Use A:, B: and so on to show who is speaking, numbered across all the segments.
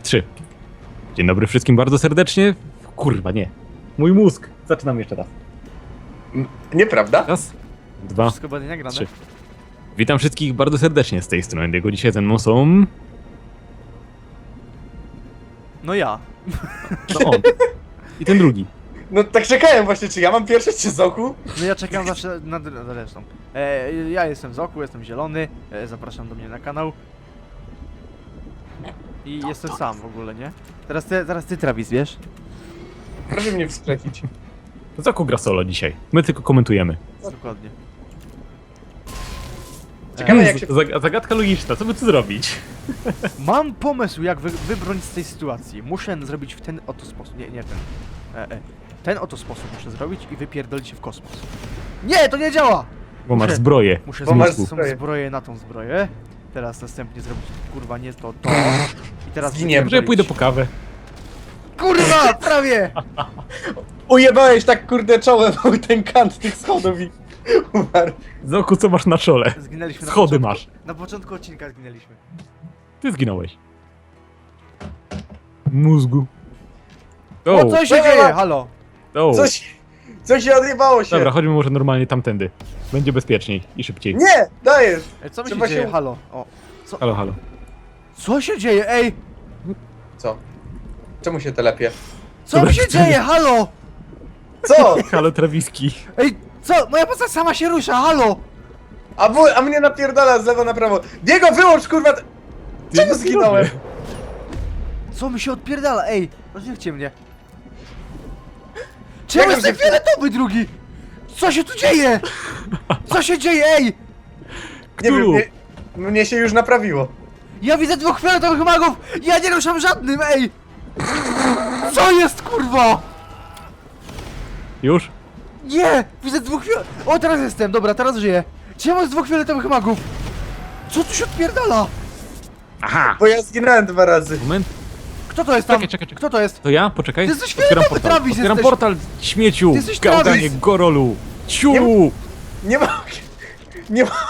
A: 3. Dzień dobry wszystkim bardzo serdecznie. Kurwa, nie. Mój mózg. Zaczynam jeszcze raz.
B: Nieprawda?
A: Raz, 2,
C: Wszystko będzie nagrane.
A: 3. Witam wszystkich bardzo serdecznie z tej strony. Jego dzisiaj ze mną są...
C: No ja.
A: No on. I ten drugi.
B: No tak czekałem właśnie, czy ja mam pierwsze, czy Zoku?
C: No ja czekam zawsze na resztą. Ja jestem Zoku, jestem zielony. Zapraszam do mnie na kanał. I jestem sam w ogóle, nie? Teraz ty Travis, wiesz?
B: Proszę mnie wskrzesić.
A: Zaku gra solo dzisiaj. My tylko komentujemy.
C: Dokładnie.
B: Ciekawe jak się...
A: Zagadka logiczna, co by tu zrobić?
C: Mam pomysł, jak wybronić z tej sytuacji. Muszę zrobić w ten oto sposób. Nie ten. Ten oto sposób muszę zrobić i wypierdolić się w kosmos. Nie, to nie działa!
A: Bo masz
C: Muszę-
A: zbroję.
C: Muszę
B: Bo masz
C: zmienić tą
B: zbroję.
C: zbroję na tą zbroję. Teraz następnie zrobić kurwa nie to. I teraz
B: Zginiemy.
A: Może ja pójdę po kawę.
C: Kurwa, prawie!
B: Ujebałeś tak kurde czołem o ten kant tych schodów i... umarł.
A: Zaku, co masz na czole?
C: Zginęliśmy na
A: Schody
C: początku.
A: masz.
C: Na początku odcinka zginęliśmy.
A: Ty zginąłeś. Mózgu.
C: O, co się
B: Dobra.
C: dzieje? Halo!
B: Coś się odjebało się.
A: Dobra, chodźmy może normalnie tamtędy. Będzie bezpieczniej i szybciej.
B: Nie, dajesz.
C: Co mi się
B: Trzeba
C: dzieje?
B: się-
C: Halo. O.
A: Halo, halo.
C: Co się dzieje? Ej!
B: Co? Czemu się telepie?
C: Co
A: Dobra,
C: mi się
A: wtedy-
C: dzieje? Halo!
B: Co?
A: Halo, Trawiski.
C: Ej, co? Moja postać sama się rusza, halo!
B: A mnie napierdala z lewo na prawo. Diego, wyłącz kurwa! Czemu zginąłem?
C: Co mi się odpierdala? Ej, rozdzielcie mnie. Czemu
B: Jak
C: jestem
B: rozdzielcie?
C: fioletowy drugi? Co się tu dzieje? Co się dzieje? Ej!
B: Nie wiem,
A: Cthulhu.
B: mnie się już naprawiło.
C: Ja widzę dwóch fioletowych magów! Ja nie ruszam żadnym, ej! Co jest, kurwa?
A: Już?
C: Nie! Widzę dwóch O, teraz jestem, dobra, teraz żyję. Czemu jest dwóch fioletowych magów? Co tu się odpierdala?
A: Aha!
B: Bo ja zginąłem 2 razy.
A: Moment.
C: Kto to jest tam?
A: Czekaj.
C: Kto to jest?
A: To ja? Poczekaj.
C: Ty jesteś
A: Otwieram
C: fioletowy,
A: portal.
C: Travis,
A: Otwieram
C: jesteś.
A: portal, śmieciu!
C: Ty jesteś
A: Gałganie,
C: Travis.
A: gorolu! Ciu!
B: Nie ma... Nie ma...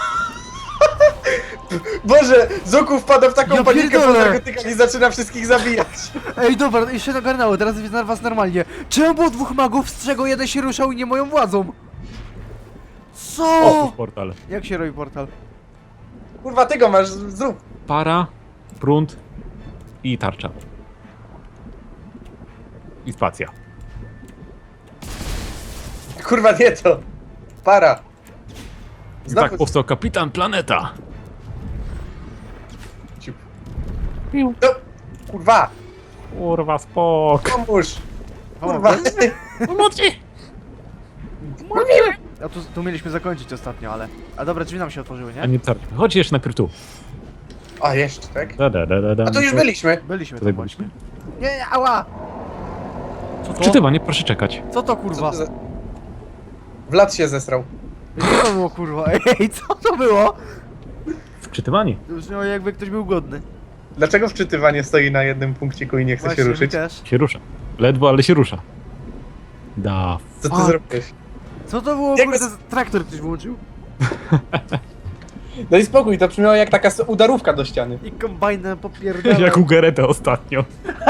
B: Boże, Zoku wpada w taką
C: Ja
B: panikę po
C: pierdolę.
B: narkotykach i zaczyna wszystkich zabijać.
C: Ej, dobra, jeszcze nagarnęło, teraz widzę was normalnie. Czemu było dwóch magów, z czego jeden się ruszał i nie moją władzą? Co?
A: O, portal.
C: Jak się robi portal?
B: Kurwa, ty go masz, zrób.
A: Para, prąd i tarcza. I spacja.
B: Kurwa, nie to. Para.
A: I tak powstał Kapitan Planeta.
B: Ciup. No, kurwa,
A: Kurwa, spok.
B: pomóż. Kurwa.
A: Pomocy!
C: A tu mieliśmy zakończyć ostatnio, ale... A dobra, drzwi nam się otworzyły,
A: A
C: nie?
A: nie tarcza. Chodź jeszcze najpierw tu.
B: A, jeszcze, tak?
A: Da.
B: A tu już byliśmy.
C: Byliśmy
A: Tutaj
C: tam właśnie.
A: byliśmy.
C: Nie, ała! Co to?
A: Wczytywanie, proszę czekać.
C: Co to
B: Co
C: kurwa?
B: to za... Wlad się zesrał.
C: Co to było kurwa? Ej, co to było?
A: Wczytywanie.
C: To brzmiało jakby ktoś był głodny.
B: Dlaczego wczytywanie stoi na jednym punkciku i nie chce
C: Właśnie,
B: się
C: mi
B: ruszyć?
C: też.
A: Się rusza. Ledwo, ale się rusza. Da.
B: Co ty
A: fuck.
B: zrobiłeś?
C: Co to było
B: Jak
C: kurde?
B: bez-
C: Traktor ktoś włączył?
B: No i spokój, to brzmiało jak taka udarówka do ściany.
C: I kombajnem popierdala.
A: Jak u Geretę ostatnio.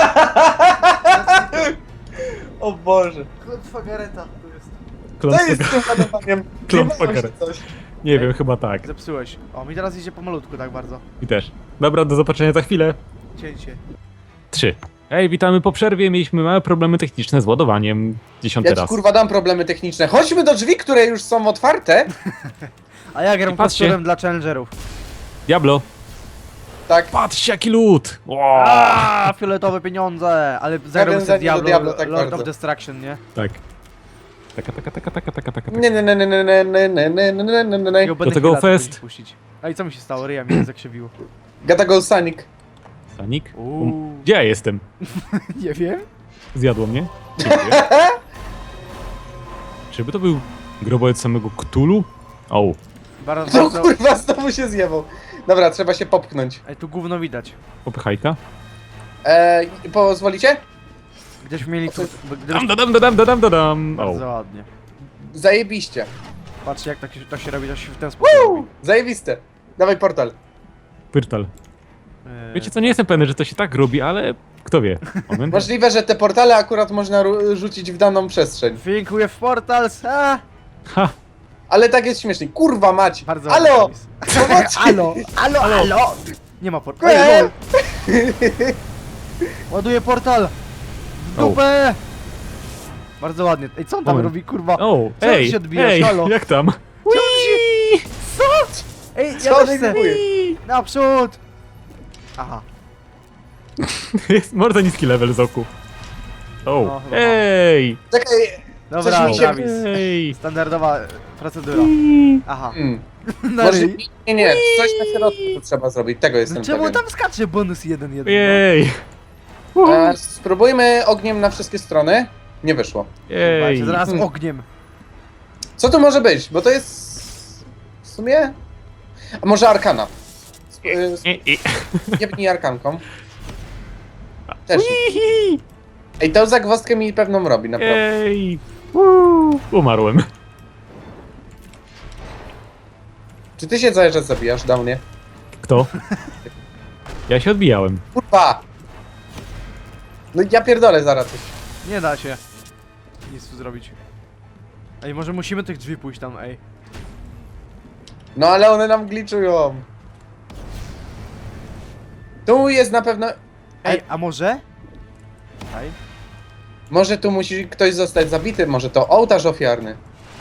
B: O Boże.
C: Klątwa Gareta to jest.
B: Co
A: Klątwa
B: jest z tym ładowaniem?
A: Klątwa
B: Zjebało się
A: Gareth.
B: coś.
A: Nie wiem, chyba tak.
C: Zepsułeś. O, mi teraz idzie pomalutku tak bardzo.
A: I też. Dobra, do zobaczenia za chwilę.
C: Cięcie.
A: 3. Hej, witamy po przerwie. Mieliśmy małe problemy techniczne z ładowaniem. 10
B: Ja ci
A: raz.
B: kurwa dam problemy techniczne. Chodźmy do drzwi, które już są otwarte.
C: A ja gram
A: I patrzcie.
C: pastorem dla challengerów.
A: Diablo.
B: Tak.
A: Patrzcie, jaki lód. Wow.
C: Aaa, fioletowe pieniądze! Ale zagrał
B: Nawiązanie
C: sobie
B: do
C: Diablo,
B: Diablo, tak
C: Lord
B: bardzo.
C: of Destruction, nie?
A: Tak. Taka.
B: Nie.
C: I
A: Do tego fest.
C: Puścić. A i co mi się stało? Ryja mi zakrzywiło.
B: Gata go Sonic.
A: Sanik?
C: Uuu.
A: Gdzie ja jestem?
C: Nie wiem.
A: Zjadło mnie? Dziękuję. Czyby to był grobowiec samego Cthulhu? O.
C: Bardzo,
B: No
C: bardzo...
B: kurwa, znowu się zjebał. Dobra, trzeba się popchnąć.
C: Ej, tu gówno widać.
A: Popychajka.
B: Pozwolicie?
C: Gdybyśmy mieli tu...
A: Dam. O.
C: Bardzo ładnie.
B: Zajebiście.
C: Patrzcie jak to się robi, to się w ten sposób robi.
B: Zajebiste. Dawaj portal.
A: Pyrtal. Wiecie co, nie jestem pewny, że to się tak robi, ale Kto wie? Moment.
B: Możliwe, że te portale akurat można rzucić w daną przestrzeń.
C: Think with portals, a!
A: Ha!
B: Ale tak jest śmiesznie. Kurwa mać!
C: Bardzo
B: Alo!
C: ładny pomysł.
B: Pomocy!
C: Alo! Nie ma portalu.
B: Eee!
C: Lol. Ładuję portal! W
A: O.
C: dupę! Bardzo ładnie. Ej, co on tam
A: Moment.
C: robi, kurwa?
A: O,
C: Co ty
A: ej,
C: się odbijasz?
A: ej,
C: Halo?
A: jak tam?
C: Co? Ej, ja
B: Co
C: też
B: ty
C: chcę!
B: próbujesz?
C: Naprzód! Aha.
A: Jest bardzo niski level Zoku. O,
C: No, chyba
A: ej!
B: Czekaj.
C: Dobra,
B: mi się-
C: Travis.
A: Ej!
C: Standardowa procedura. Aha. No
B: Może...
C: i...
B: Nie, coś na środku tu trzeba zrobić. Tego jestem
C: No czemu
B: pewien.
C: tam skacze bonus 1-1?
A: Ej!
B: Spróbujmy ogniem na wszystkie strony. Nie wyszło.
A: Ej!
C: Zaraz ogniem.
B: Co to może być? Bo to jest... W sumie... A może arkana? Jebnij arkanką. Też. Ej, tą zagwozdkę mi pewną robi, naprawdę.
A: Ej! Umarłem.
B: Czy ty się cały czas zabijasz do mnie?
A: Kto? Ja się odbijałem.
B: Kurwa! No ja pierdolę zaraz coś.
C: Nie da się nic tu zrobić. Ej, może musimy tych drzwi pójść tam, ej.
B: No ale one nam gliczują. Tu jest na pewno...
C: Ej, a może? Ej.
B: Może tu musi ktoś zostać zabity, może to ołtarz ofiarny.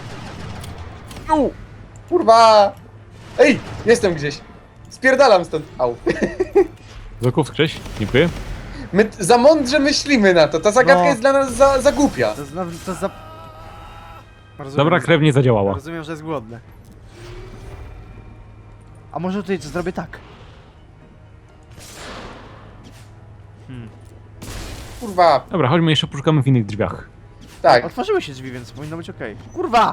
B: Kurwa! Ej, jestem gdzieś. Spierdalam stąd. Au.
A: Zoku, wskrzeć? Dziękuję.
B: My za mądrze myślimy na to. Ta zagadka
C: No.
B: jest dla nas za głupia.
C: To za... Rozumiem,
A: Dobra, krew nie zadziałała.
C: Rozumiem, że jest głodny. A może tutaj zrobię tak?
B: Kurwa,
A: Dobra, chodźmy jeszcze poszukamy w innych drzwiach.
B: tak.
C: Otworzyły się drzwi, więc powinno być okej. Kurwa!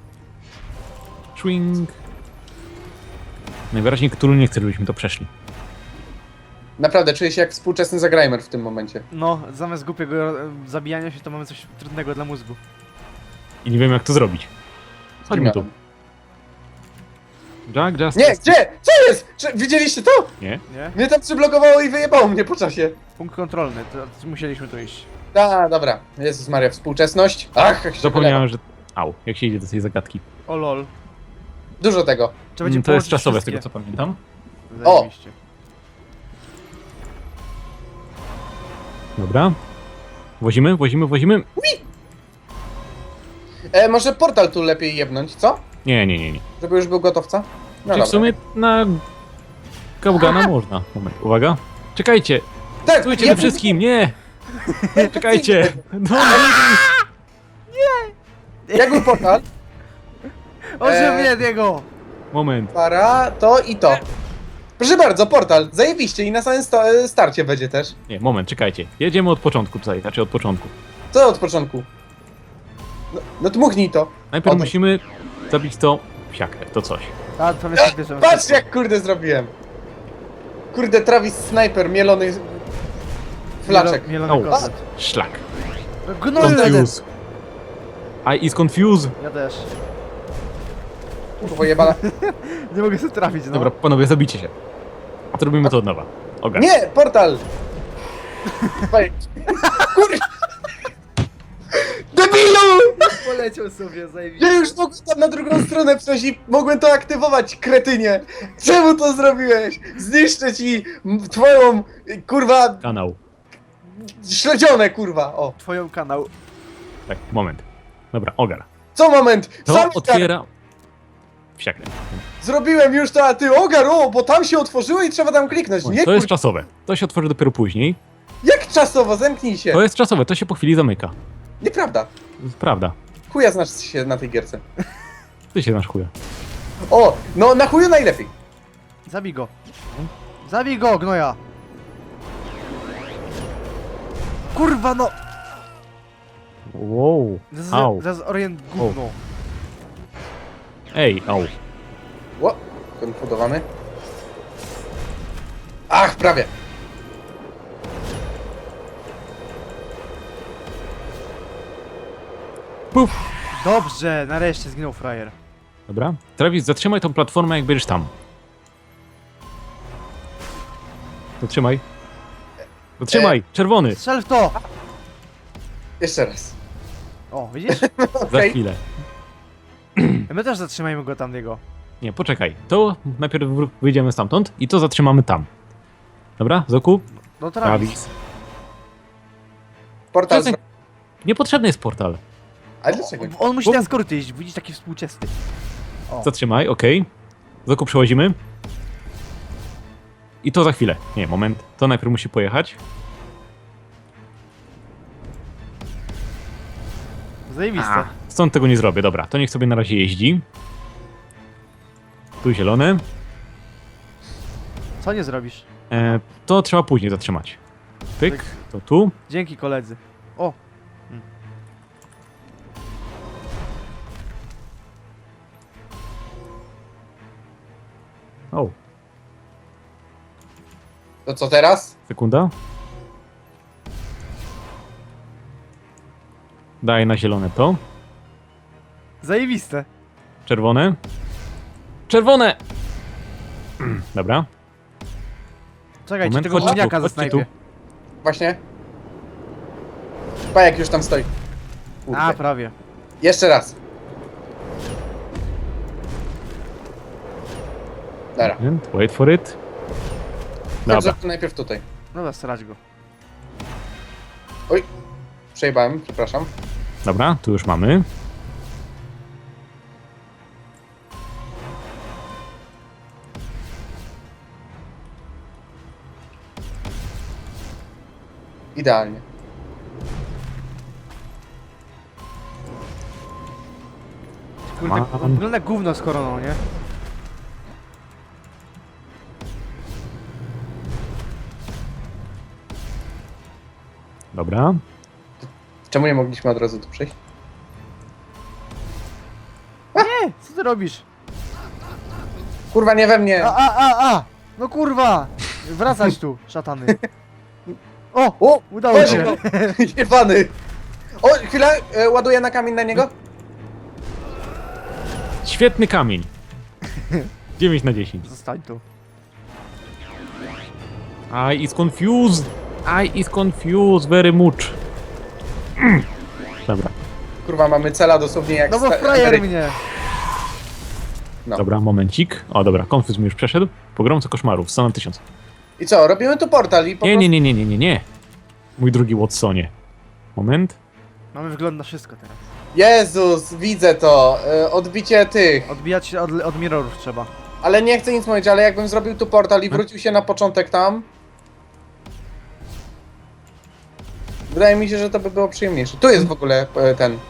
A: Swing. Najwyraźniej Cthulhu nie chce, żebyśmy to przeszli.
B: Naprawdę, czuję się jak współczesny zagrajmer w tym momencie.
C: No, zamiast głupiego zabijania się, to mamy coś trudnego dla mózgu.
A: I nie wiem jak to zrobić. Chodźmy tu. Jack, just...
B: Nie, gdzie? Co jest? Widzieliście to?
A: Nie?
C: Nie?
B: Mnie tam przyblokowało i wyjebało mnie po czasie.
C: Punkt kontrolny, to musieliśmy tu iść.
B: Dobra. Jezus Maria, współczesność. Ach, jak się
A: Zapomniałem, że... Au, jak się idzie do tej zagadki.
C: O lol.
B: polewa. Dużo tego.
C: Trzeba będzie
A: To jest
C: połączyć
A: czasowe, z
C: wszystkie.
A: tego co pamiętam.
B: O!
C: Zajebiście.
A: Dobra. Wozimy, wozimy, wozimy.
B: Może portal tu lepiej jebnąć, co?
A: Nie, nie, nie, nie.
B: Żeby już był gotowca? No
A: Czyli w sumie na... Gałgana można. Moment, uwaga. Czekajcie!
B: Tak,
A: Stójcie we wszystkim, nie! Czekajcie! No,
B: Jak był portal?
C: Ożywię Diego!
A: moment.
B: Para, to i to. Proszę bardzo, portal. Zajebiście i na samym starcie będzie też.
A: Nie, moment, czekajcie. Jedziemy od początku tutaj, znaczy od początku.
B: Co od początku? No dmuchnij to.
A: Najpierw
B: O,
A: musimy zabić to psiakę, to coś.
C: A, to jest bierzemy.
B: Patrz jak kurde zrobiłem. Kurde, Travis Sniper, mielony flaczek.
C: Mielony
A: Au.
C: kotlet.
A: Szlak.
C: Gnoju!
A: Confuse. I is confused.
C: Ja też.
B: Kurwa jebana.
C: Nie mogę sobie trafić, no.
A: Dobra, panowie, zabijcie się. Zrobimy to od nowa. Ogar.
B: Nie, portal! Faj- Kurde! Debilu!
C: Poleciał sobie, zajebiście.
B: Ja już mogłem tam na drugą stronę przejść i mogłem to aktywować, kretynie! Czemu to zrobiłeś? Zniszczę ci twoją, kurwa,
A: Kanał.
B: śledzionę, kurwa! O,
C: Twoją kanał.
A: Tak, moment. Dobra, ogar.
B: co moment?
A: To
B: Sam
A: otwiera... Psiakę.
B: zrobiłem już to, a ty ogar, o, bo tam się otworzyło i trzeba tam kliknąć. Nie,
A: To jest
B: kur...
A: czasowe. To się otworzy dopiero później.
B: Jak czasowo? Zamknij się.
A: To jest czasowe, to się po chwili zamyka.
B: Nieprawda.
A: To jest prawda.
B: Chuja znasz się na tej gierce.
A: Ty się nasz chuja.
B: O, no na chuju najlepiej.
C: Zabij go. Zabij go, gnoja. Kurwa, no.
A: Wow. Au.
C: Zaraz orient gówno.
A: Ej, au.
B: Ło, konfudowany. Ach, prawie.
A: Puf.
C: Dobrze, nareszcie zginął frajer.
A: Dobra. Travis, zatrzymaj tą platformę, jak będziesz tam. Zatrzymaj. Zatrzymaj, czerwony.
C: Strzel w to!
B: Jeszcze raz.
C: O, widzisz?
A: Za
B: Okej.
A: chwilę.
C: My też zatrzymajmy go tamtego.
A: Nie, poczekaj. To najpierw wyjdziemy stamtąd i to zatrzymamy tam. Dobra, Zoku?
C: No Travis.
A: Travis.
B: Portal.
A: Przestań. Niepotrzebny jest portal.
B: Ale dlaczego?
C: On musi na skróty iść, widzisz, taki współczesny. O,
A: Zatrzymaj, okej. Zoku, przełazimy. I to za chwilę. Nie, moment. To najpierw musi pojechać.
C: zajebiste.
A: Stąd tego nie zrobię, dobra. To niech sobie na razie jeździ. Tu zielone.
C: Co nie zrobisz?
A: To trzeba później zatrzymać. Pyk,
C: Pyk.
A: to tu.
C: Dzięki koledzy. O,
A: O,
B: To co teraz?
A: sekunda. Daj na zielone to.
C: zajebiste.
A: Czerwone. Czerwone! Dobra.
C: Czekajcie,
A: Moment,
C: tego
A: chodźcie tu,
C: gówniaka
A: chodźcie
C: zasnajpię.
B: Właśnie. Pajek już tam stoi. Kurde.
C: A, prawie.
B: Jeszcze raz. Dobra.
A: Moment, wait for it.
B: Dobrze,
A: Dobra.
B: to najpierw tutaj.
C: Dobra, strać go.
B: Oj. Przejebałem, przepraszam.
A: Dobra, tu już mamy.
B: Idealnie.
C: Kurde,
A: Mam.
C: wygląda jak gówno z koroną, nie?
A: Dobra.
B: Czemu nie mogliśmy od razu tu przejść?
C: Nie, co ty robisz?
B: Kurwa, nie we mnie!
C: A! No kurwa! Wracać tu, szatany. O!
B: O!
C: Udało
B: Weź
C: się.
B: go! Jebany! O, chwilę, ładuję na kamień na niego.
A: Świetny kamień. 9 na 10.
C: Zostań tu.
A: I is confused. I is confused very much. Dobra,
B: Kurwa, mamy cela dosłownie jak...
C: No bo
B: sta-
C: frajer
B: Ameryka.
C: mnie.
B: No.
A: dobra, momencik. O, dobra, confuse mi już przeszedł. Pogromca koszmarów, Sona 1000.
B: I co, robimy tu portal i po
A: Nie,
B: prostu...
A: nie, nie, nie, nie, nie, nie. Mój drugi Watsonie. Moment.
C: Mamy wygląd na wszystko teraz.
B: Jezus, widzę to. Odbicie tych.
C: Odbijać się od mirrorów trzeba.
B: Ale nie chcę nic mówić, ale jakbym zrobił tu portal i wrócił się na początek tam... Wydaje mi się, że to by było przyjemniejsze. Tu jest w ogóle ten...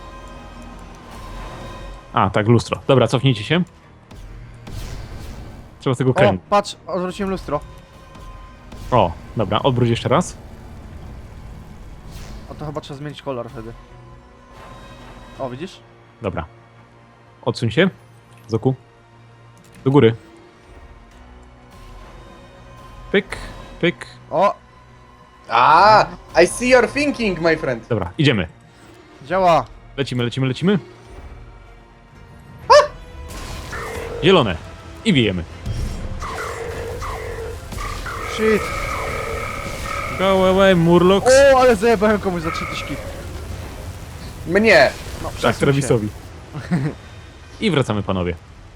A: A, tak, lustro. Dobra, cofnijcie się. Trzeba tego
C: O,
A: kręcić.
C: patrz, odwróciłem lustro.
A: O, dobra, odwróć jeszcze raz.
C: O, to chyba trzeba zmienić kolor wtedy. O, widzisz?
A: Dobra. Odsuń się. Zoku. Do góry. Pyk, pyk.
C: O,
B: I see your thinking, my friend.
A: Dobra, idziemy.
C: działa.
A: Lecimy, lecimy, lecimy. Zielone. I bijemy.
C: Shit.
A: Go away, Murlocs.
C: O, ale zajebałem komuś za 3000.
B: Mnie.
C: No,
A: Tak,
C: przesuń się.
A: Travisowi. I wracamy, panowie.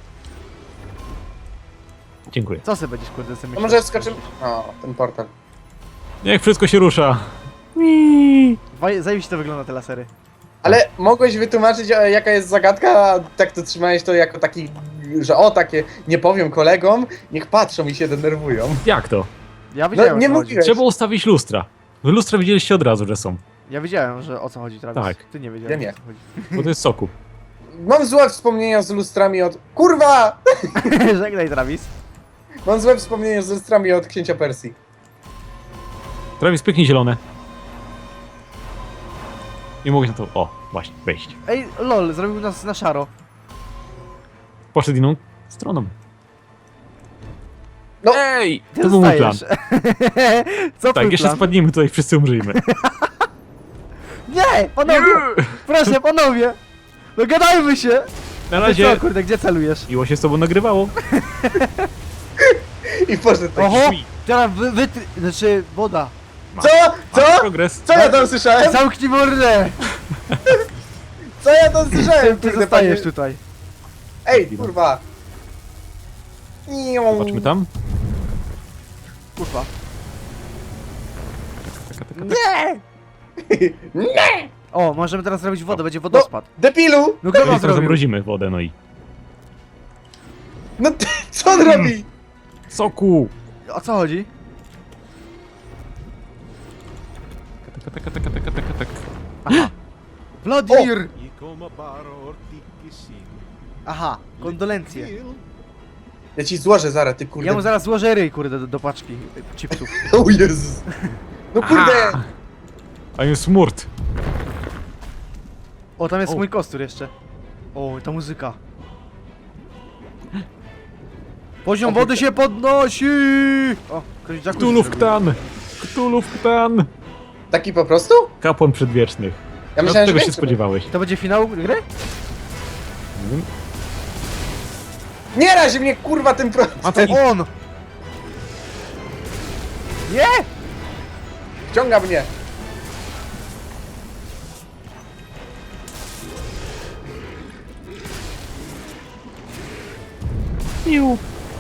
A: Dziękuję.
C: Co sobie będziesz kurde sobie
B: To
C: myślał?
B: może skoczymy... O, ten portal.
A: Niech wszystko się rusza.
C: Zajebiście to wygląda te lasery.
B: Ale mogłeś wytłumaczyć, jaka jest zagadka, a tak to trzymałeś to jako taki, że o, takie, nie powiem kolegom, niech patrzą i się denerwują.
A: Jak to?
C: Ja wiedziałem,
B: nie
C: o co chodzi.
B: mówiłeś.
A: Trzeba ustawić lustra. Wy lustra widzieliście od razu, że są.
C: Ja wiedziałem, że o co chodzi, Travis.
A: Tak.
C: Ty nie wiedziałeś,
B: Ja nie.
C: o co chodzi.
A: Bo to jest soku.
B: Mam złe wspomnienia z lustrami od... Kurwa!
C: Żegnaj, Travis.
B: Mam złe wspomnienia z lustrami od księcia Persji.
A: Travis, pyknij zielone. Nie mogłeś na to... O, właśnie, wejść.
C: Ej, lol, zrobił nas na szaro.
A: Poszedł inną stroną.
B: No.
A: Ej!
C: Ty
A: To był mój plan.
C: zostajesz. Co
A: Tak,
C: twój
A: jeszcze
C: plan?
A: spadniemy tutaj, wszyscy umrzyjmy.
C: Nie, panowie! Proszę, panowie! Dogadajmy się!
A: Na
C: Ty
A: razie
C: co, kurde, gdzie celujesz?
A: miło się z tobą nagrywało.
B: I poszedł tak.
C: Oho! Teraz znaczy woda.
A: Ma.
B: Co?
A: Masz
B: Co?
A: progres.
B: Co ja tam słyszałem?
C: Zamknij mordę!
B: Co ja tam słyszałem?
C: Ty
B: Kurde,
C: zostajesz
B: panie?
C: tutaj.
B: Ej, kurwa.
A: Zobaczmy tam.
C: Kurwa.
A: Taka.
B: Nie! Nie!
C: O, możemy teraz zrobić wodę, będzie wodospad.
B: Debilu!
C: No kto
A: No
C: wam
A: i teraz
C: zrobił?
A: zamrozimy wodę, no i...
B: No ty, co on robi?
A: Soku!
C: O co chodzi?
A: Tak.
C: Aha. Wladimir!
D: I come baro ortikisin.
C: Aha, kondolencje.
B: Ja ci złożę zaraz, ty kurde.
C: Ja mu zaraz złożę ryj, kurde, do paczki chipsów.
B: O Jezus. No kurde.
A: A jest smurt.
C: O, tam jest
A: O.
C: mój kostur jeszcze. O, ta muzyka. Poziom wody się podnosi! O, ktoś jacuzzi
A: Ktulów
C: zrobił.
A: ktan! Ktulów ktan!
B: Taki po prostu?
A: Kapłan przedwiecznych.
B: Ja myślałem, że
A: czego się
B: więcej
A: spodziewałeś?
C: To będzie finał gry?
B: Nie razi mnie kurwa tym pro...
A: A to
C: On! Nie!
B: Wciąga mnie.
A: Iu.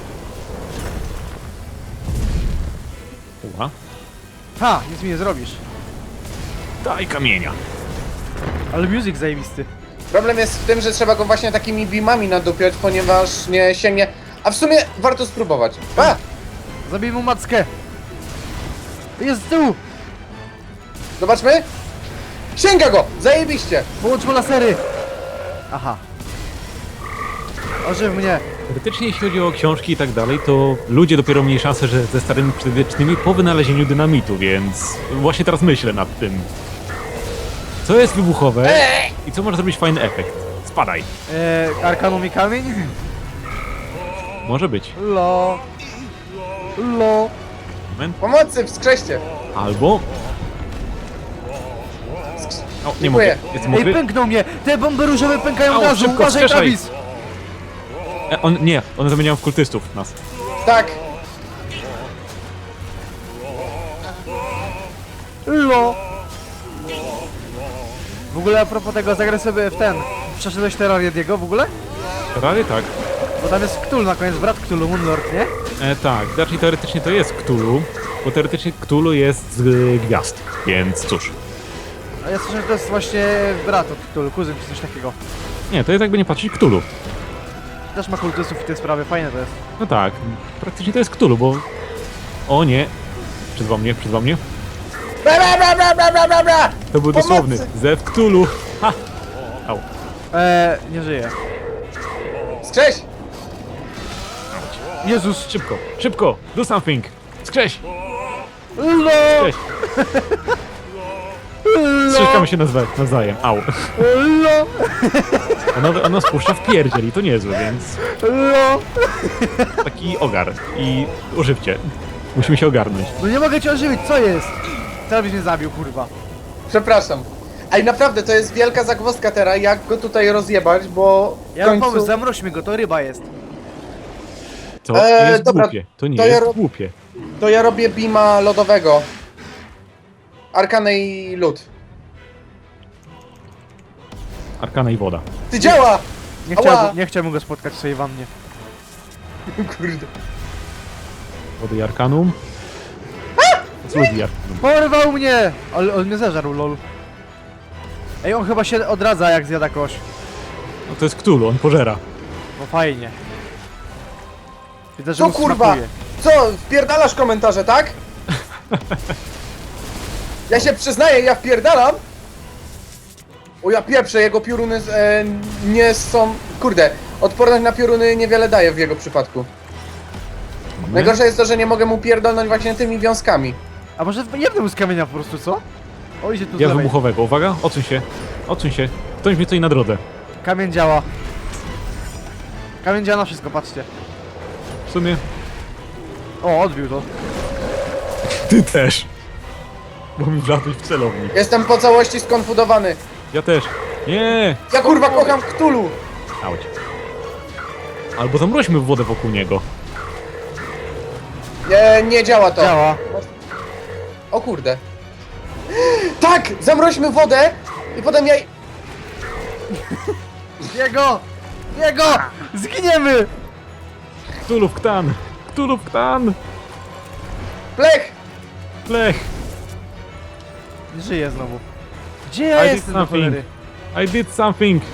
A: Uła.
C: Ha, nic mi nie zrobisz.
A: Daj kamienia.
C: Ale music zajebisty.
B: Problem jest w tym, że trzeba go właśnie takimi beamami nadupiać, ponieważ nie sięgnie. A w sumie warto spróbować. A!
C: Zabij mu mackę! Jest z tyłu!
B: Zobaczmy. Sięga go! Zajebiście!
C: Połącz mu lasery! Aha. Ożyw mnie!
A: Teoretycznie jeśli chodzi o książki i tak dalej, to ludzie dopiero mieli szansę, że ze starymi przedwiecznymi po wynalezieniu dynamitu, więc właśnie teraz myślę nad tym. Co jest wybuchowe i co może zrobić fajny efekt? Spadaj.
C: Arkanum i kamień?
A: Może być.
C: Lo. Lo.
A: Moment.
B: Pomocy, wskrzeszcie!
A: Albo... O, nie
B: Dziękuję.
A: mogę. Jestem
C: Ej,
A: mokry.
C: pęknął mnie! Te bomby różowe pękają
A: Au,
C: od razu!
A: szybko,
C: Uważaj,
A: wskrzeszaj.
C: Travis!
A: Nie, one zamieniają w kultystów nas.
B: Tak!
C: Lo. W ogóle a propos tego, zagraj sobie w ten. Przeszedłeś Terrariediego w ogóle?
A: Prawie tak.
C: Bo tam jest Cthulhu na koniec, brat Cthulhu, Moonlord, nie?
A: Tak, znaczy teoretycznie to jest Cthulhu, bo teoretycznie Cthulhu jest z gwiazd, więc cóż.
C: A ja słyszę, że to jest właśnie brat od Cthulhu, kuzyn czy coś takiego.
A: Nie, to jest jakby nie patrzeć Cthulhu.
C: Też ma kultystów i te sprawy, fajne to jest.
A: No tak, praktycznie to jest Cthulhu, bo... O nie. Przyzwał mnie.
B: Bra, bra, bra, bra, bra, bra, bra, bra.
A: To był
B: Pomocy!
A: dosłowny. Zew Cthulhu. Ha! Au.
C: Nie żyje.
B: Skrześ!
C: Jezus!
A: Szybko! Do something! Skrześ!
C: Lo!
A: Skrześ! Strzeszkamy się nawzajem. Au.
C: Lo!
A: Ono spuszcza w pierdziel i to niezłe, więc...
C: Lo!
A: Taki ogar. I używcie. Musimy się ogarnąć.
C: No nie mogę cię ożywić, co jest? Travis mnie zabił, kurwa.
B: Przepraszam. Ej, naprawdę, to jest wielka zagwozdka teraz, jak go tutaj rozjebać, bo w
C: Ja mam
B: końcu...
C: pomysł, zamroźmy go, to ryba jest.
A: To jest
B: dobra,
A: głupie. To nie
B: to ja
A: jest
B: ro-
A: głupie.
B: To ja robię beama lodowego. Arkana i lód.
A: Arkana i woda.
B: Ty działa! Ała!
C: Nie chciałbym go spotkać w swojej wannie.
B: Kurde.
A: Wody i arkanum. Z ludzi i arkanum.
C: Porwał mnie! Ale on mnie zeżarł, lol. Ej, on chyba się odradza, jak zjada kość.
A: No to jest Cthulhu, on pożera.
C: No fajnie. Widzę, że
B: Co
C: mu
B: kurwa?
C: smakuje.
B: Co? Wpierdalasz komentarze, tak? Ja się przyznaję, ja wpierdalam. O ja pieprzę, jego pioruny nie są... Kurde, odporność na pioruny niewiele daje w jego przypadku. Najgorsze jest to, że nie mogę mu pierdolnąć właśnie tymi wiązkami.
C: A może jednemu mu z kamienia po prostu, co? O, idzie tu z
A: Ja
C: lewej.
A: wybuchowego. Uwaga, odsuń się. Odsuń się. Ktoś mi stoi na drodze.
C: Kamień działa. Kamień działa na wszystko, patrzcie.
A: W sumie...
C: O, odbił to.
A: Ty też. Bo mi wlazłeś w celownik.
B: Jestem po całości skonfudowany.
A: Ja też. Nie!
B: Ja kurwa kocham Cthulhu.
A: Auć. Albo zamroźmy wodę wokół niego.
B: Nie działa to.
C: Działa.
B: O kurde. Tak! Zamroźmy wodę i potem ja...
C: Jego! Jego! Zginiemy!
A: Ktulów Ktan! Ktulów Ktan!
B: Plech!
A: Lech!
C: Żyję znowu. Gdzie ja
A: I did
C: jestem, do
A: something.
C: cholery?
A: I did something!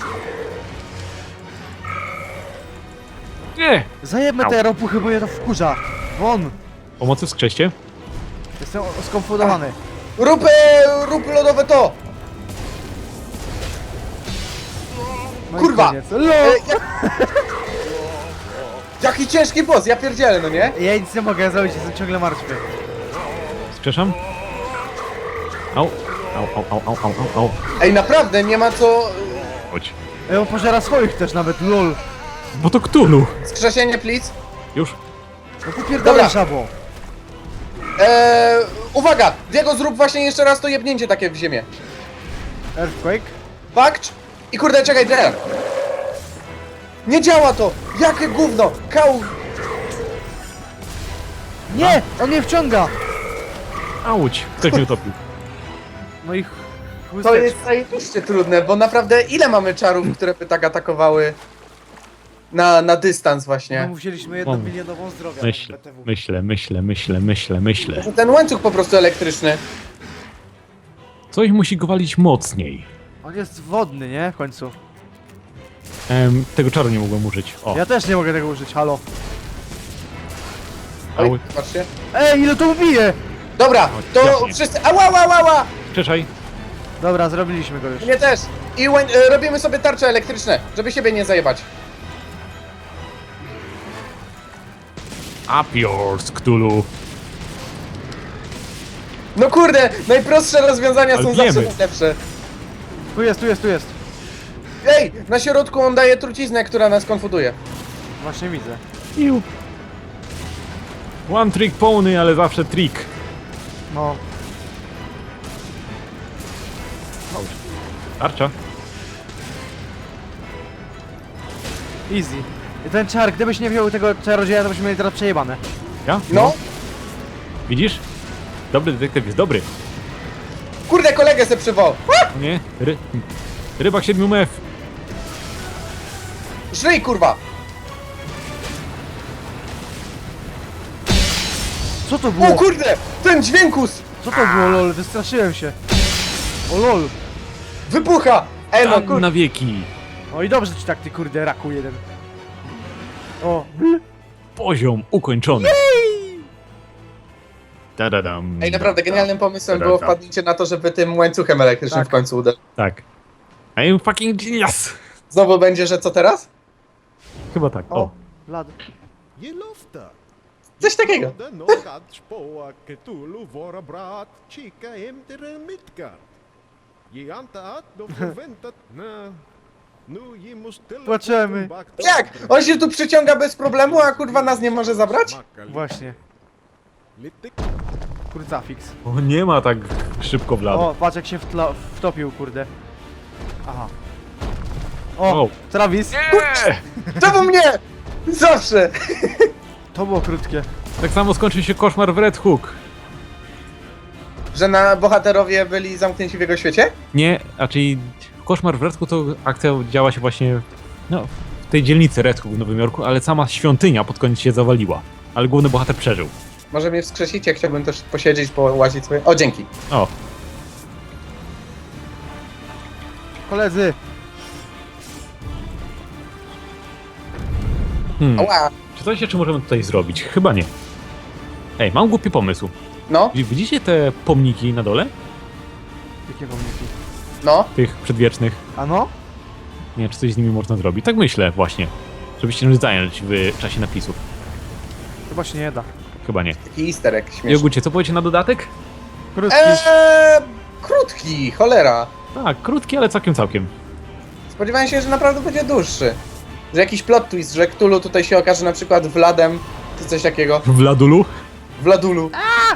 A: Nie!
C: Zajebmy te ropuchy, bo je to wkurza. Won!
A: Pomocy wskrzeście?
C: Jestem skonfundowany.
B: Rób lodowe to!
C: No i
B: Kurwa!
C: koniec.
B: Jaki ciężki boss, ja pierdzielę, no nie?
C: Ja nic nie mogę zrobić, jestem ciągle martwy.
A: Wskrzeszam? Au! Au, au, au, au, au, au, au.
B: Ej, naprawdę, nie ma co...
A: Chodź.
C: Ej, on pożera swoich też nawet, lol.
A: Bo to Ktulu!
B: Skrzesienie, please.
A: Już?
C: No popierdolę
B: Dobra.
C: żabo.
B: Uwaga! Diego, zrób właśnie jeszcze raz to jebnięcie takie w ziemię.
C: Earthquake?
B: Fakt? I kurde, czekaj, teraz. Nie działa to! Jakie gówno! Kał...
C: Nie! On mnie wciąga!
A: Auć! Ktoś mnie utopił.
C: No i
B: To
C: chłysteczka.
B: jest zajebiście trudne, bo naprawdę ile mamy czarów, które by tak atakowały na dystans
C: No,
B: właśnie?
C: musieliśmy 1 milionową zdrowia.
A: Myślę,
C: BTW.
A: myślę.
B: Że ten łańcuch po prostu elektryczny.
A: Coś musi go walić mocniej.
C: On jest wodny, nie? W końcu.
A: Tego czaru nie mogłem użyć. O,
C: Ja też nie mogę tego użyć, halo.
A: au.
B: Oj, patrzcie.
C: Ej, ile to bije!
B: Dobra, to
A: jasnie.
B: wszyscy... Ała, ała, ała!
A: Przeszaj.
C: Dobra, zrobiliśmy go już.
B: Mnie też. I robimy sobie tarcze elektryczne, żeby siebie nie zajebać.
A: Up yours, Ktulu.
B: No kurde, najprostsze rozwiązania
A: Ale
B: są
A: wiemy.
B: zawsze najlepsze.
C: Tu jest, tu jest, tu jest.
B: Ej, na środku on daje truciznę, która nas konfuduje.
C: Właśnie widzę.
A: Iu. One trick pony, ale zawsze trick.
C: No.
A: Tarcza.
C: Easy. I ten czar, gdybyś nie wziął tego czarodzieja, to byśmy mieli teraz przejebane.
A: Ja?
B: No.
A: Widzisz? Dobry detektyw jest dobry.
B: Kurde, kolegę se przywołał.
A: O nie? Rybak 7 mef.
B: Żyj, kurwa!
C: Co to
B: O
C: było?
B: kurde, ten dźwiękus!
C: Co to było, lol? Wystraszyłem się. O lol.
B: Wybucha! Ej, no
A: Tam
B: kurde.
A: na wieki.
C: O i dobrze ci tak, ty kurde raku jeden. O.
A: Poziom ukończony. Tadadam.
B: Ej, naprawdę, genialnym pomysłem było wpadnięcie na to, żeby tym łańcuchem elektrycznym
C: Tak.
B: w końcu uderzyć.
A: Tak. I'm fucking genius.
B: Znowu będzie, że co teraz?
A: Chyba tak.
C: O.
A: O.
C: Lad.
D: Je lofta.
B: Coś takiego.
D: De nog spoa Cthulhu våra brat kika hem till en Midgard. Je antar att de förväntat nu je måste ställa
C: Płaczemy.
D: kosten bak-
B: Jak? On się tu przyciąga bez problemu, a kurwa nas nie może zabrać?
D: Smaka
C: Właśnie.
D: lite
C: Kurcafix.
A: O, nie ma tak szybko w lado.
C: O, patrz jak się wtopił, kurde. Aha. O,
A: O.
C: Travis.
B: Czemu mnie? Zawsze!
C: To było krótkie.
A: Tak samo skończy się koszmar w Red Hook.
B: Że na bohaterowie byli zamknięci w jego świecie?
A: Nie, raczej koszmar w Red Hook to akcja działa się właśnie no, w tej dzielnicy Red Hook w Nowym Jorku, ale sama świątynia pod koniec się zawaliła. Ale główny bohater przeżył.
B: Może mnie wskrzesicie, chciałbym też posiedzieć, połazić sobie. O, dzięki.
A: O,
C: Koledzy.
B: Ała.
A: czy coś jeszcze możemy tutaj zrobić? Chyba nie. Ej, mam głupi pomysł.
B: No,
A: Widzicie te pomniki na dole?
C: Jakie pomniki?
B: no.
A: Tych przedwiecznych?
C: A no?
A: Nie wiem, czy coś z nimi można zrobić. Tak myślę właśnie. Żeby się tym zająć w czasie napisów.
C: Chyba się nie da.
A: Chyba nie.
B: Taki easter egg śmieszny.
A: Jogucie, co powiecie na dodatek?
C: Krótki.
B: Krótki, cholera.
A: Tak, krótki, ale całkiem.
B: Spodziewałem się, że naprawdę będzie dłuższy. Że jakiś plot twist, że Cthulhu tutaj się okaże na przykład Wladem, czy coś takiego.
A: W Ladulu?
B: Wladulu.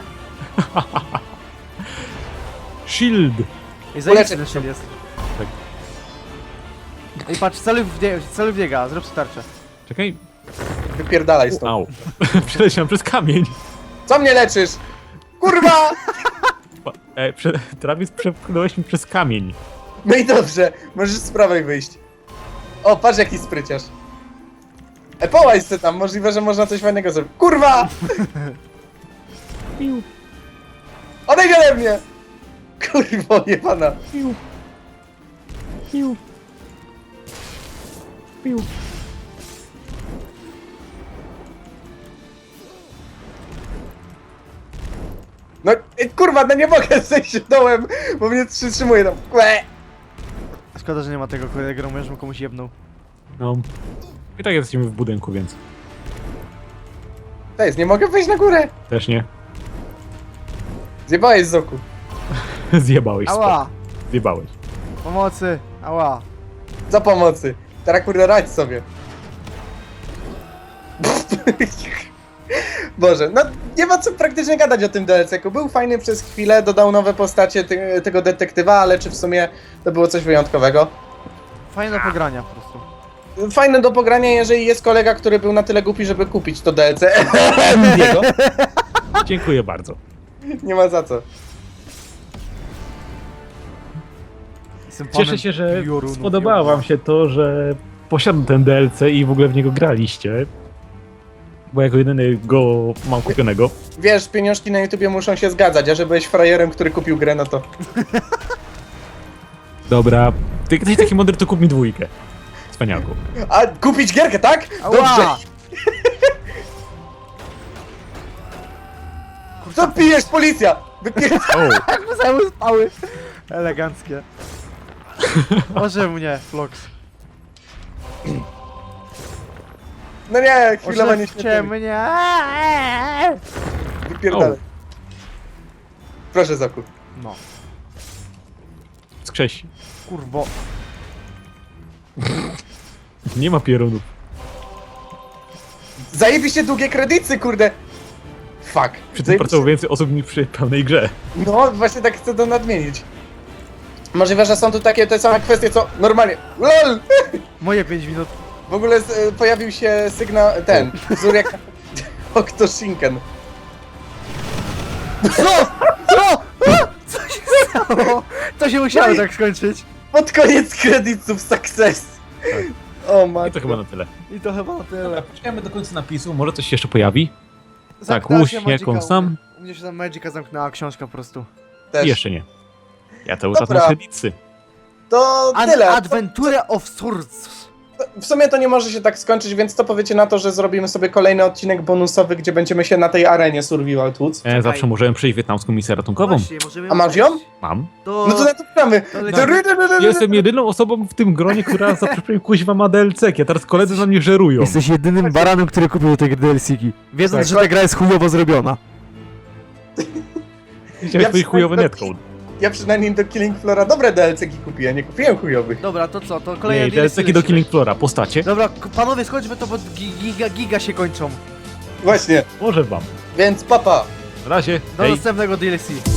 A: Shield!
C: I zajęty
B: uleczę
C: ten
B: się.
C: szyld jest.
A: Tak.
C: Ej, patrz, celuj w biega, zrób sobie tarczę.
A: Czekaj.
B: Wypierdalaj stąd.
A: Au. Przeleciałem przez kamień.
B: Co mnie leczysz? Kurwa!
A: Travis, przepchnąłeś mi przez kamień.
B: No i dobrze, możesz z prawej wyjść. O, patrz jaki spryciarz. Połaź se tam, możliwe, że można coś fajnego zrobić. Kurwa!
A: Piu,
B: Odejdź ode mnie! Kurwo, jebana.
A: piu. Piu. Piu.
B: No, kurwa, no nie mogę zejść dołem, bo mnie przytrzymuje tam. Łe!
C: Szkoda, że nie ma tego kolejnego, już bym komuś jebnął.
A: No. I tak jesteśmy w budynku, więc
B: To jest, nie mogę wejść na górę.
A: też nie.
B: Zjebałeś z oku.
A: Zjebałeś,
C: Ała!
A: Zjebałeś.
C: Pomocy! Ała!
B: Za pomocy. Teraz kurde radź sobie. Boże, no nie ma co praktycznie gadać o tym DLC-ku. Był fajny przez chwilę, dodał nowe postacie tego detektywa, ale czy w sumie to było coś wyjątkowego?
C: Fajne do pogrania po prostu.
B: Fajne do pogrania, jeżeli jest kolega, który był na tyle głupi, żeby kupić to DLC.
A: Diego? Dziękuję bardzo.
B: Nie ma za co.
C: Jestem
A: Cieszę
C: panem
A: się, że
C: piorunów,
A: spodobało wam się to, że posiadam ten DLC i w ogóle w niego graliście. Bo jako jedyny go mam kupionego.
B: Wiesz, pieniążki na YouTubie muszą się zgadzać, a że byłeś frajerem, który kupił grę, no to...
A: Dobra, ty jesteś taki mądry, to kup mi 2. Cwaniaku.
B: A, kupić gierkę, tak?
C: Ała!
B: Dobrze. Co pijesz, policja?
A: O,
C: Jak zajęły spały! Eleganckie. Może mnie, Flox.
B: No nie, chwilowa nie
C: Oszewcie mnie!
B: Wypierdalaj. Proszę, zakup.
C: No,
A: skrzesi.
C: kurwo.
A: Nie ma pierunów.
B: Zajebiście długie kredyty, kurde. Fuck.
A: Przy tym pracowało więcej osób niż przy pełnej grze.
B: No, właśnie tak chcę to nadmienić. Możliwe, że są tu takie te same kwestie, co normalnie. LOL!
C: Moje 5 minut.
B: W ogóle pojawił się sygnał, Zuriak Octoshinken.
C: Co? Co się stało? To się musiało tak skończyć.
B: Pod koniec kredytów success. O
A: I
B: matko.
A: to chyba na tyle.
C: I to chyba na tyle.
A: Poczekajmy do końca napisu, może coś się jeszcze pojawi.
C: Zamknęła
A: łóż
C: się
A: jak
C: Magica
A: on
C: u
A: sam.
C: mnie. U mnie się tam Magica zamknęła książka po prostu.
B: Też.
A: I jeszcze nie. Ja cały czas
B: Dobra.
A: na średnicy.
B: To
C: An
B: tyle.
C: Adventure of Swords.
B: W sumie to nie może się tak skończyć, więc co powiecie na to, że zrobimy sobie kolejny odcinek bonusowy, gdzie będziemy się na tej arenie Survival tłuc?
A: Zawsze możemy przejść wietnamską misję ratunkową.
C: Właśnie, możemy
B: A masz ją?
A: Mam.
C: To...
B: No to na to gramy.
A: Jestem jedyną osobą w tym gronie, która zawsze kuźwa ma DLC-ki, a teraz koledzy na mnie żerują.
C: Jesteś jedynym baranem, który kupił te DLC-ki. Wiedząc,
B: Tak.
C: że ta gra jest chujowo zrobiona.
A: Chciałem swój chujowy netcode.
B: Ja przynajmniej do Killing Floora dobre DLC-ki kupiłem, nie kupiłem chujowych.
C: Dobra, to co? To
A: Nie,
C: kolejne
A: DLC-ki do Killing Floora, postacie.
C: Dobra, panowie, skończmy to, bo giga się kończą.
B: Właśnie,
A: Może wam.
B: więc papa.
A: Na razie,
C: Do
A: hej.
C: następnego DLC.